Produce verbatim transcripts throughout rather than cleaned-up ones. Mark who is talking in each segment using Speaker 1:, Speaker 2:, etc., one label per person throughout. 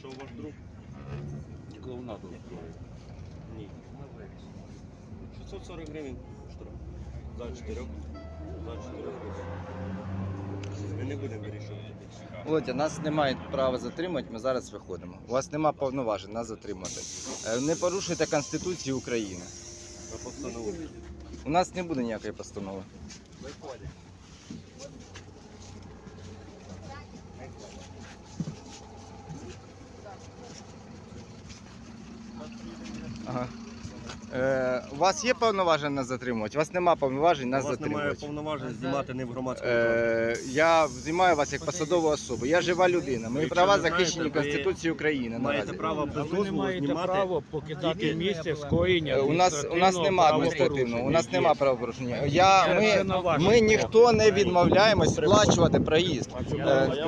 Speaker 1: вийшов ваш друг?
Speaker 2: Клоунаду.
Speaker 1: Ні. шістсот сорок гривень штраф. За чотирьох. За чотирьох гривень. Ми не будемо вирішувати.
Speaker 3: Володя, нас немає права затримати, ми зараз виходимо. У вас немає повноважень нас затримати. Е, Не порушуйте Конституцію України.
Speaker 1: На постанову.
Speaker 3: У нас не буде ніякої постанови.
Speaker 1: Виходить.
Speaker 3: Ага. Е, у вас є повноваження нас затримувати? У вас немає повноважень нас
Speaker 1: У вас немає
Speaker 3: затримувати.
Speaker 1: повноважень знімати не в громадському
Speaker 3: Е, я знімаю вас як посадову особу. Я жива людина. Мої
Speaker 1: Якщо
Speaker 3: права
Speaker 1: ви знаєте,
Speaker 3: захищені
Speaker 1: ви
Speaker 3: Конституцією України.
Speaker 1: маєте
Speaker 3: Наразі.
Speaker 1: право
Speaker 2: А
Speaker 1: без
Speaker 2: ви не
Speaker 1: дозволу
Speaker 2: маєте
Speaker 1: знімати.
Speaker 2: право покидати
Speaker 1: тільки-
Speaker 2: місце скоєння
Speaker 3: Е, У нас у нас немає адміністративного, у нас немає правопорушення. Я
Speaker 2: Це
Speaker 3: ми,
Speaker 2: на ваше
Speaker 3: ми ніхто не відмовляємось сплачувати проїзд. Е,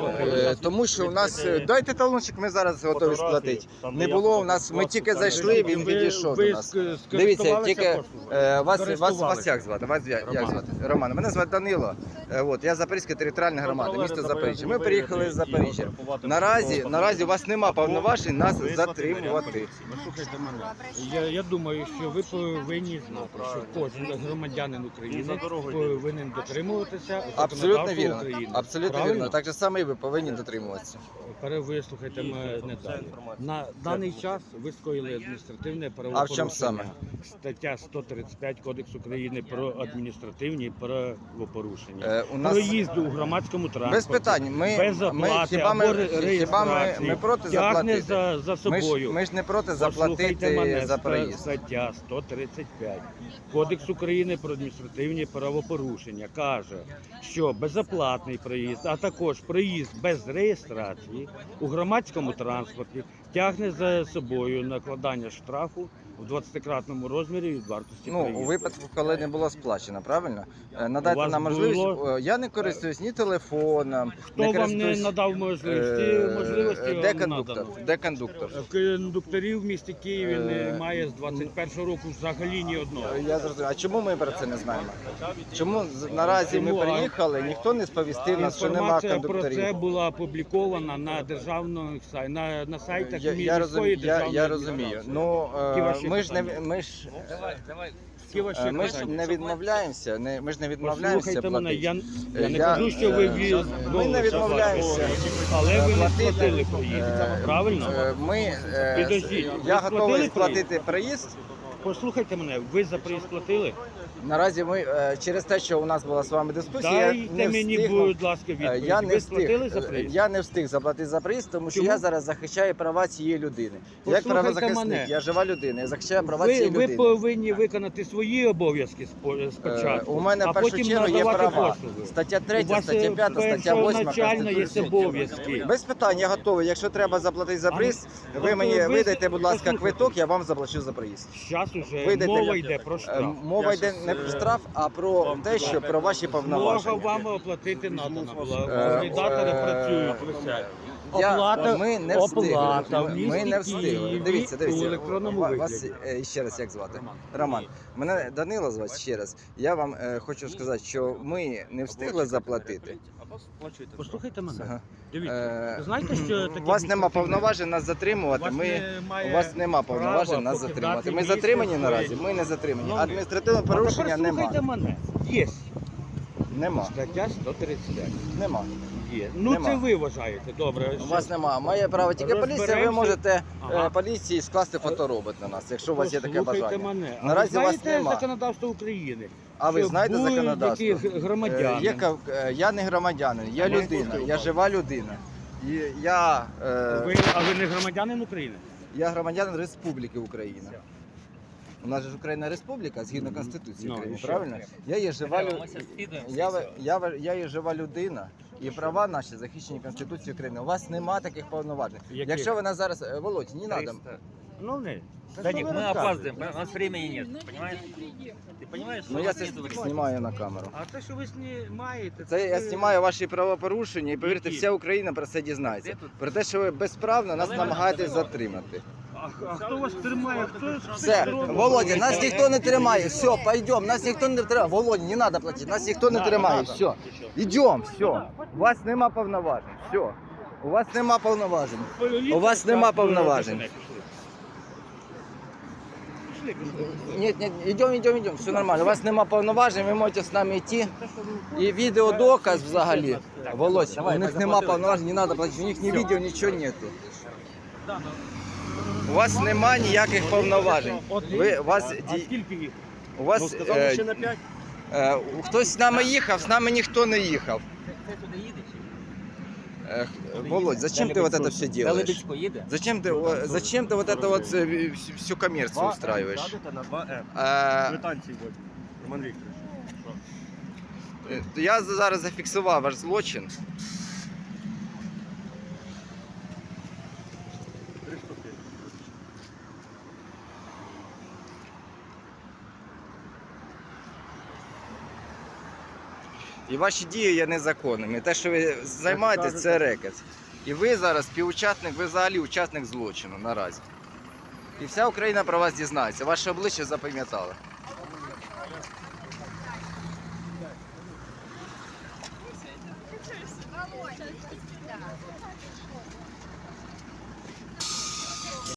Speaker 3: е, тому що у нас е, дайте талончик, ми зараз готові сплатити. Не було у нас. Ми тільки зайшли, він відійшов до нас. Дивіться, тільки е, вас, вас, вас як звати? Вас як, як звати? Роман. Мене звати Данило. Е, от, я Запорізька територіальна громада, місто Запоріжжя. Ми приїхали з Запоріжжя. Наразі, наразі у вас немає повноважень нас затримувати.
Speaker 2: Послухайте мене. Я, я думаю, що ви повинні знати, що кожен громадянин України повинен дотримуватися
Speaker 3: Абсолютно
Speaker 2: законодавства
Speaker 3: вірно.
Speaker 2: України.
Speaker 3: Абсолютно
Speaker 2: Правильно?
Speaker 3: вірно. Так же саме і ви повинні дотримуватися.
Speaker 2: Перевислухайте мене далі. На даний час ви скоїли адміністративне
Speaker 3: А в
Speaker 2: правопорушення.
Speaker 3: чому саме?
Speaker 2: Стаття сто тридцять п'ять Кодексу України про адміністративні правопорушення.
Speaker 3: Е, у нас
Speaker 2: Проїзду у громадському транспорті.
Speaker 3: без питань. Ми,
Speaker 2: без
Speaker 3: ми
Speaker 2: оплати
Speaker 3: хіба ми
Speaker 2: або ре-
Speaker 3: хіба ми,
Speaker 2: реєстрації.
Speaker 3: ми проти
Speaker 2: Тягне
Speaker 3: заплатити?
Speaker 2: за, за
Speaker 3: Ми
Speaker 2: собою.
Speaker 3: ж, ми ж не проти
Speaker 2: Послухайте
Speaker 3: заплатити
Speaker 2: мене,
Speaker 3: за
Speaker 2: ста-
Speaker 3: проїзд.
Speaker 2: Стаття сто тридцять п'ять Кодекс України про адміністративні правопорушення каже, що безоплатний проїзд, а також проїзд без реєстрації у громадському транспорті тягне за собою накладання штрафу в двадцятикратному розмірі від вартості
Speaker 3: Ну,
Speaker 2: проїзду.
Speaker 3: у випадку, коли не було сплачено, правильно? Е, Надайте
Speaker 2: вас
Speaker 3: нам можливість.
Speaker 2: було-
Speaker 3: Е, Я не користуюсь ні телефоном,
Speaker 2: Хто
Speaker 3: не
Speaker 2: вам не
Speaker 3: користуюсь.
Speaker 2: надав можливості?
Speaker 3: Е,
Speaker 2: можливості
Speaker 3: Де
Speaker 2: вам
Speaker 3: кондуктор?
Speaker 2: надано.
Speaker 3: Де кондуктор?
Speaker 2: Кондукторів в місті Києві
Speaker 3: Е,
Speaker 2: немає з двадцять першого року взагалі ні одного.
Speaker 3: Е, Я зрозумів. А чому ми про це не знаємо? Чому з- наразі ми
Speaker 2: Чому? А
Speaker 3: приїхали, ніхто не сповістив нас, що немає
Speaker 2: Інформація про це
Speaker 3: кондукторів?
Speaker 2: була опублікована на державних сайт, на, на сайтах
Speaker 3: Я, я,
Speaker 2: міської
Speaker 3: розумію, я,
Speaker 2: державної
Speaker 3: я розумію. Ну,
Speaker 2: Які
Speaker 3: е,
Speaker 2: ваші
Speaker 3: ми ж не
Speaker 2: питання?
Speaker 3: ми ж
Speaker 2: Які ваші
Speaker 3: е, ми ж
Speaker 2: питання?
Speaker 3: не відмовляємося, не ми ж не відмовляємося
Speaker 2: Послухайте мене,
Speaker 3: платити.
Speaker 2: я, я не
Speaker 3: Я,
Speaker 2: кажу, що ви
Speaker 3: е,
Speaker 2: від...
Speaker 3: ми не відмовляємося
Speaker 2: але ви не
Speaker 3: платити.
Speaker 2: сплатили проїзд,
Speaker 3: Е,
Speaker 2: правильно?
Speaker 3: Е, Ми е,
Speaker 2: Підождіть, ви
Speaker 3: я
Speaker 2: сплатили
Speaker 3: готовий
Speaker 2: проїзд?
Speaker 3: сплатити проїзд.
Speaker 2: Послухайте мене, ви за проїзд платили?
Speaker 3: Наразі ми е, через те, що у нас була з вами дискусія, я
Speaker 2: Дайте
Speaker 3: не
Speaker 2: мені,
Speaker 3: встиг.
Speaker 2: будь ласка,
Speaker 3: Е,
Speaker 2: відповідь.
Speaker 3: Я не
Speaker 2: ви
Speaker 3: встиг,
Speaker 2: сплатили за
Speaker 3: е,
Speaker 2: проїзд?
Speaker 3: я не встиг заплатити за проїзд, тому що
Speaker 2: Чому?
Speaker 3: я зараз захищаю права цієї людини. Як
Speaker 2: Послухайте
Speaker 3: правозахисник,
Speaker 2: мене.
Speaker 3: я жива людина, я захищаю права
Speaker 2: Ви,
Speaker 3: цієї
Speaker 2: ви
Speaker 3: людини.
Speaker 2: повинні виконати свої обов'язки спо- спочатку,
Speaker 3: Е, У мене
Speaker 2: а
Speaker 3: в першу
Speaker 2: потім
Speaker 3: чергу є
Speaker 2: надавати
Speaker 3: права.
Speaker 2: послуги.
Speaker 3: Стаття
Speaker 2: У
Speaker 3: третя,
Speaker 2: вас
Speaker 3: стаття п'ята, стаття восьма
Speaker 2: першоначально є
Speaker 3: Конституції.
Speaker 2: обов'язки.
Speaker 3: Без питань, я готовий. Якщо треба заплатити за
Speaker 2: А,
Speaker 3: проїзд,
Speaker 2: ну,
Speaker 3: ви
Speaker 2: то
Speaker 3: мені
Speaker 2: ви-
Speaker 3: видайте, будь ласка,
Speaker 2: послухайте.
Speaker 3: квиток, я вам заплачу за проїзд.
Speaker 2: Зараз уже
Speaker 3: Видайте,
Speaker 2: мова
Speaker 3: як-
Speaker 2: йде про
Speaker 3: Е,
Speaker 2: штраф.
Speaker 3: Мова йде не про штраф, а про те, що про ваші
Speaker 2: Змога
Speaker 3: повноваження.
Speaker 2: вам оплатити надана була.
Speaker 3: Е,
Speaker 2: Валідатори
Speaker 3: е,
Speaker 2: працюють. висять.
Speaker 3: Я,
Speaker 2: Оплата,
Speaker 3: ми не встигли.
Speaker 2: оплата в
Speaker 3: Ми,
Speaker 2: місті
Speaker 3: ми не встигли.
Speaker 2: Києві
Speaker 3: Дивіться,
Speaker 2: у
Speaker 3: дивіться.
Speaker 2: електронному
Speaker 3: Ва- Вас
Speaker 2: вигляді.
Speaker 3: е, ще раз як звати? Роман. Мене Данило звати ще раз. Я вам е, хочу сказати, що ми не встигли заплатити.
Speaker 2: Послухайте мене.
Speaker 3: Ага.
Speaker 2: Дивіться,
Speaker 3: Е,
Speaker 2: ви знаєте, що таке
Speaker 3: У вас нема
Speaker 2: адміністративне-
Speaker 3: повноважень нас затримувати.
Speaker 2: У вас
Speaker 3: Ми
Speaker 2: немає
Speaker 3: у вас нема повноважень
Speaker 2: права
Speaker 3: нас
Speaker 2: покидати
Speaker 3: затримувати. Ми
Speaker 2: місце
Speaker 3: затримані
Speaker 2: своє.
Speaker 3: наразі. Ми не затримані.
Speaker 2: Ну,
Speaker 3: Адміністративного
Speaker 2: А
Speaker 3: порушення
Speaker 2: тепер слухайте
Speaker 3: нема.
Speaker 2: мене. Є.
Speaker 3: Нема.
Speaker 2: Стаття сто тридцять п'ять.
Speaker 3: Нема.
Speaker 2: Є. Ну
Speaker 3: Нема.
Speaker 2: це ви вважаєте. Добре.
Speaker 3: У вас немає. Має право тільки поліція. Ви
Speaker 2: Розберемося.
Speaker 3: можете
Speaker 2: Ага.
Speaker 3: е, поліції скласти фоторобот на нас, якщо у вас є таке
Speaker 2: Послухайте
Speaker 3: бажання.
Speaker 2: мене. А
Speaker 3: Наразі
Speaker 2: ви
Speaker 3: у вас
Speaker 2: знаєте
Speaker 3: нема.
Speaker 2: законодавство України?
Speaker 3: А ви
Speaker 2: Що
Speaker 3: знаєте
Speaker 2: будь-який
Speaker 3: законодавство?
Speaker 2: громадянин.
Speaker 3: Е, Є, кав- е, я не громадянин, я
Speaker 2: А ви
Speaker 3: людина,
Speaker 2: хто?
Speaker 3: я жива людина. І я, е,
Speaker 2: Ви, а ви не громадянин України?
Speaker 3: я громадянин Республіки Україна. У нас же ж Україна республіка згідно Конституції
Speaker 2: Ну,
Speaker 3: України,
Speaker 2: і що?
Speaker 3: правильно? Я є жива лю-
Speaker 4: Ми зараз скидаємося,
Speaker 3: я,
Speaker 4: все.
Speaker 3: я, я є жива людина. І права наші захищені Конституцією України. У вас нема таких повноважень.
Speaker 2: Яких?
Speaker 3: Якщо ви нас зараз, е, Володь, не треба.
Speaker 2: Ну не.
Speaker 4: Даник, мы опаздываем, у нас времени нет, понимаешь? Ты понимаешь,
Speaker 3: Ну
Speaker 4: что
Speaker 3: я
Speaker 4: у
Speaker 3: це
Speaker 4: нас нет времени?
Speaker 3: знімаю на камеру.
Speaker 2: А те, що ви знімаєте,
Speaker 3: Це я знімаю ваші правопорушення і повірте,
Speaker 2: Які?
Speaker 3: вся Україна про це дізнається.
Speaker 4: Де тут?
Speaker 3: Про те, що ви безправно нас намагаєтесь затримати.
Speaker 2: А, а хто вас тримає? Хто
Speaker 3: Все, Володя, нас ніхто не тримає. Все, пойдем, нас ніхто не тримає. Володя, не треба платити, нас ніхто не тримає. Все, йдемо, все. У вас нема повноважень. Все. У вас нема повноважень.
Speaker 2: Поліція
Speaker 3: У вас нема
Speaker 2: так,
Speaker 3: повноважень.
Speaker 2: пішли. Пішли, пішли.
Speaker 3: Нет, нет, идем, идем, идем, все нормально. У вас нема повноважень, ви можете з нами йти. І відеодоказ взагалі. Володь, у них нема повноважень, не треба платити, у них ні відео, нічого нету. У вас нема ніяких повноважень. Ви, у вас,
Speaker 2: А
Speaker 3: ді-
Speaker 2: скільки їх?
Speaker 3: у вас
Speaker 1: Ну, сказали
Speaker 3: е,
Speaker 1: ще на п'ять.
Speaker 3: е, хтось з нами їхав, з нами ніхто не їхав.
Speaker 4: Ти туди їдеш?
Speaker 3: Е, Володь, зачем ты вот это все делаешь?
Speaker 4: Лебедсько їде?
Speaker 3: Зачем ты, о, зачем ты вот это вот э, всю- всю коммерцию устраиваешь?
Speaker 1: Сядете на два М.
Speaker 3: Е,
Speaker 1: Квитанції будь. Роман Вікторович.
Speaker 3: е, Я зараз зафіксував ваш злочин.
Speaker 1: Три штуки.
Speaker 3: І ваші дії є незаконними. Те, що ви займаєтесь, це рекет. І ви зараз співучасник, ви взагалі учасник злочину наразі. І вся Україна про вас дізнається. Ваше обличчя запам'ятали.